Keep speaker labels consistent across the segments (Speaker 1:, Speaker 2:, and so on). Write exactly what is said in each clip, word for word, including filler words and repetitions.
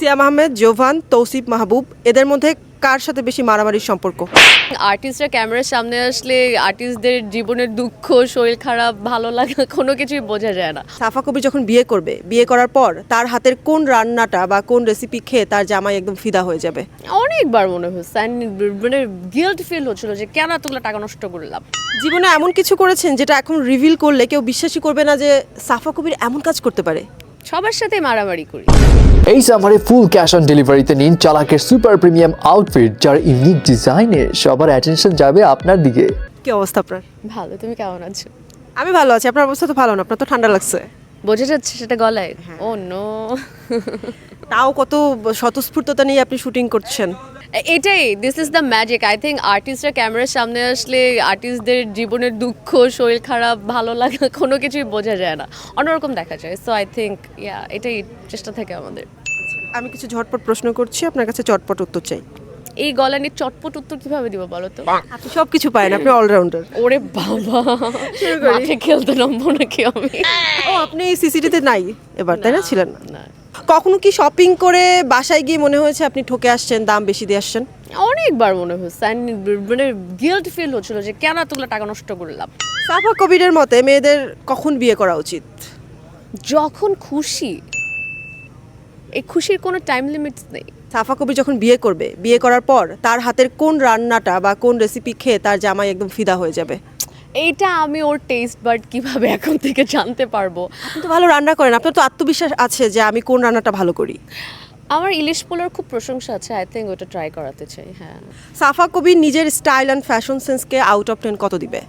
Speaker 1: সিয়াম আহমেদ, জোভান, তৌসিফ মাহবুব এদের মধ্যে কার সাথে বেশি মারামারির সম্পর্ক?
Speaker 2: আর্টিস্টরা ক্যামেরার সামনে আসলে আর্টিস্টদের জীবনের দুঃখ, শরীর খারাপ, ভালো লাগা কোনো কিছুই বোঝা যায় না।
Speaker 1: সাফা কবির যখন বিয়ে করবে, বিয়ে করার পর তার হাতের কোন রান্নাটা বা কোন রেসিপি খেয়ে তার জামাই একদম ফিদা হয়ে যাবে?
Speaker 2: অনেকবার মনে হচ্ছে and মানে গিল্ট ফিল হচ্ছিল যে কেন এতগুলো টাকা নষ্ট করলাম।
Speaker 1: জীবনে এমন কিছু করেছেন যেটা এখন রিভিল করলে কেউ বিশ্বাসই করবে না যে সাফা কবির এমন কাজ করতে পারে?
Speaker 2: সবার সাথে মারামারি করি।
Speaker 3: এই সামারে ফুল ক্যাশ অন ডেলিভারিতে নিন চালাকের সুপার প্রিমিয়াম আউটফিট, যার ইউনিক ডিজাইনে সবার অ্যাটেনশন যাবে আপনার দিকে।
Speaker 1: কি অবস্থা আপনার?
Speaker 2: ভালো, তুমি কেমন আছো?
Speaker 1: আমি ভালো আছি। আপনার অবস্থা তো ভালো না, আপনার তো ঠান্ডা লাগছে।
Speaker 2: বোঝা যাচ্ছে সেটা গলায়? Oh no.
Speaker 1: তাও কত স্বতঃস্ফূর্ততা নিয়ে আপনি শুটিং করছেন।
Speaker 2: এটাই, this is the magic. I think আর্টিস্টরা ক্যামেরার সামনে আসলে আর্টিস্টদের জীবনের দুঃখ, শরীর খারাপ, ভালো লাগা কোনো কিছুই বোঝা যায় না, অন্যরকম দেখা যায়। সো আই থিঙ্ক ইয়া এটাই চেষ্টা থাকে আমাদের।
Speaker 1: আমি কিছু ঝটপট প্রশ্ন করছি, আপনার কাছে চটপট উত্তর চাই।
Speaker 2: এই গলা নিয়ে চটপট উত্তর কিভাবে দিব বলো তো?
Speaker 1: আপনি সব কিছু পারেন, আপনি অলরাউন্ডার।
Speaker 2: ওরে বাবা, মাঠে খেলতে নামবো নাকি আমি?
Speaker 1: ও, আপনি সিসিটিতে নাই এবার, তাই না? ছিলেন না।
Speaker 2: না,
Speaker 1: কখনো কি শপিং করে বাসায় গিয়ে মনে হয়েছে আপনি ঠকে আসছেন, দাম বেশি দিয়ে আসছেন?
Speaker 2: অনেকবার মনে হচ্ছে and মানে গিল্ট ফিল হচ্ছিল যে কেন এতগুলো টাকা নষ্ট করলাম।
Speaker 1: সাফা কবিরের মতে মেয়েদের কখন বিয়ে করা উচিত?
Speaker 2: যখন খুশি, এই খুশির কোনো টাইম লিমিটস নেই।
Speaker 1: সাফা কবির যখন বিয়ে করবে, বিয়ে করার পর তার হাতের কোন রান্নাটা বা কোন রেসিপি খেয়ে তার জামাই একদম ফিদা হয়ে যাবে?
Speaker 2: এইটা আমি ওর টেস্ট বাট কিভাবে এখন থেকে জানতে পারবো?
Speaker 1: আপনি তো ভালো রান্না করেন, আপনার তো আত্মবিশ্বাস আছে যে আমি কোন রান্নাটা ভালো করি।
Speaker 2: আমার ইলিশ পোলার খুব প্রশংসা আছে, আই থিঙ্ক ওটা ট্রাই করাতে চাই। হ্যাঁ,
Speaker 1: সাফা কবির নিজের স্টাইল অ্যান্ড ফ্যাশন সেন্সকে আউট অফ টেন কত দিবে?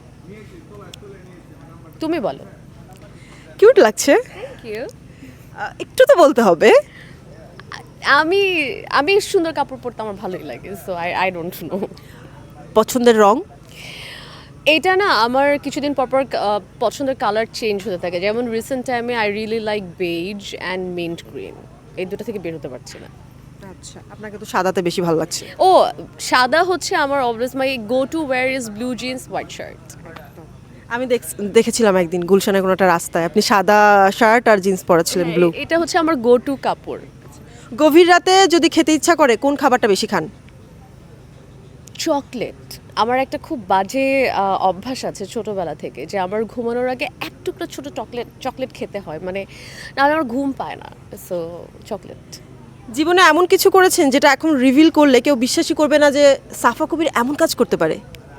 Speaker 2: তুমি বলো।
Speaker 1: কিউট লাগছে।
Speaker 2: Thank you.
Speaker 1: আহ, একটু তো বলতে হবে।
Speaker 2: আমি আমি সুন্দর কাপড় পরতে আমার ভালোই লাগে, so I I don't know.
Speaker 1: পছন্দের রং?
Speaker 2: এইটা না আমার কিছুদিন পর পর আহ, পছন্দের কালার চেঞ্জ হতে থাকে। যেমন রিসেন্ট টাইমে I really like beige and mint green, এই দুটো থেকে বের হতে পারছি না।
Speaker 1: আচ্ছা, আপনাকে তো সাদাতে বেশি ভালো লাগছে।
Speaker 2: ও, সাদা হচ্ছে আমার always my go to wear is blue jeans white shirt.
Speaker 1: আমি দেখ- দেখেছিলাম একদিন গুলশানের কোনো একটা রাস্তায় আপনি সাদা শার্ট আর জিন্স পরেছিলেন ব্লু।
Speaker 2: এটা হচ্ছে আমার গো টু কাপড়।
Speaker 1: গভীর রাতে যদি খেতে ইচ্ছা করে কোন খাবারটা বেশি খান?
Speaker 2: চকলেট। আমার একটা খুব বাজে আহ, অভ্যাস আছে ছোটবেলা থেকে, যে আমার ঘুমানোর আগে এক টুকরো ছোট চকলেট চকলেট খেতে হয়, মানে নাহলে আমার ঘুম পায় না। So chocolate.
Speaker 1: জীবনে এমন কিছু করেছেন যেটা এখন রিভিল করলে কেউ বিশ্বাসই করবে না যে সাফা কবির এমন কাজ করতে পারে?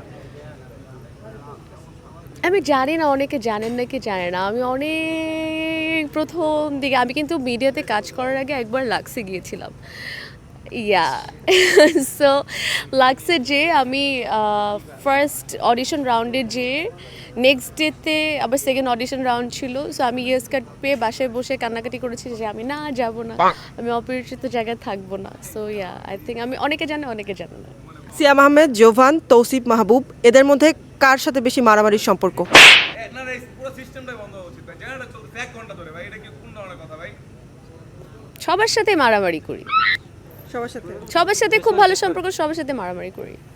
Speaker 2: আমি জানি না অনেকে জানেন নাকি জানে না, আমি অনেক প্রথম দিকে আমি কিন্তু মিডিয়াতে কাজ করার আগে একবার লাক্সে গিয়েছিলাম। ইয়া সো লাক্সে যে আমি ফার্স্ট অডিশন রাউন্ডে যে নেক্সট ডেতে আবার সেকেন্ড অডিশন রাউন্ড ছিল। সো আমি ইয়েস কার্ড পেয়ে বাসায় বসে কান্নাকাটি করেছি যে আমি না যাব না, আমি অপরিচিত জায়গায় থাকবো না। সো ইয়া আই থিঙ্ক আমি অনেকে জানে অনেকে জানে না।
Speaker 1: সিয়াম আহমেদ, জোভান, তৌসিফ মাহবুব এদের মধ্যে কার সাথে বেশি মারামারির সম্পর্ক?
Speaker 4: না না, এই পুরো সিস্টেমটাই বন্ধ হওয়া উচিত ভাই। জেনারেটর চলতেছে এক ঘন্টা ধরে ভাই, এটা কি কোন ধরনের কথা ভাই?
Speaker 2: সবার সাথে মারামারি করি,
Speaker 1: সবার সাথে?
Speaker 2: সবার সাথে খুব ভালো সম্পর্ক, সবার সাথে মারামারি করি।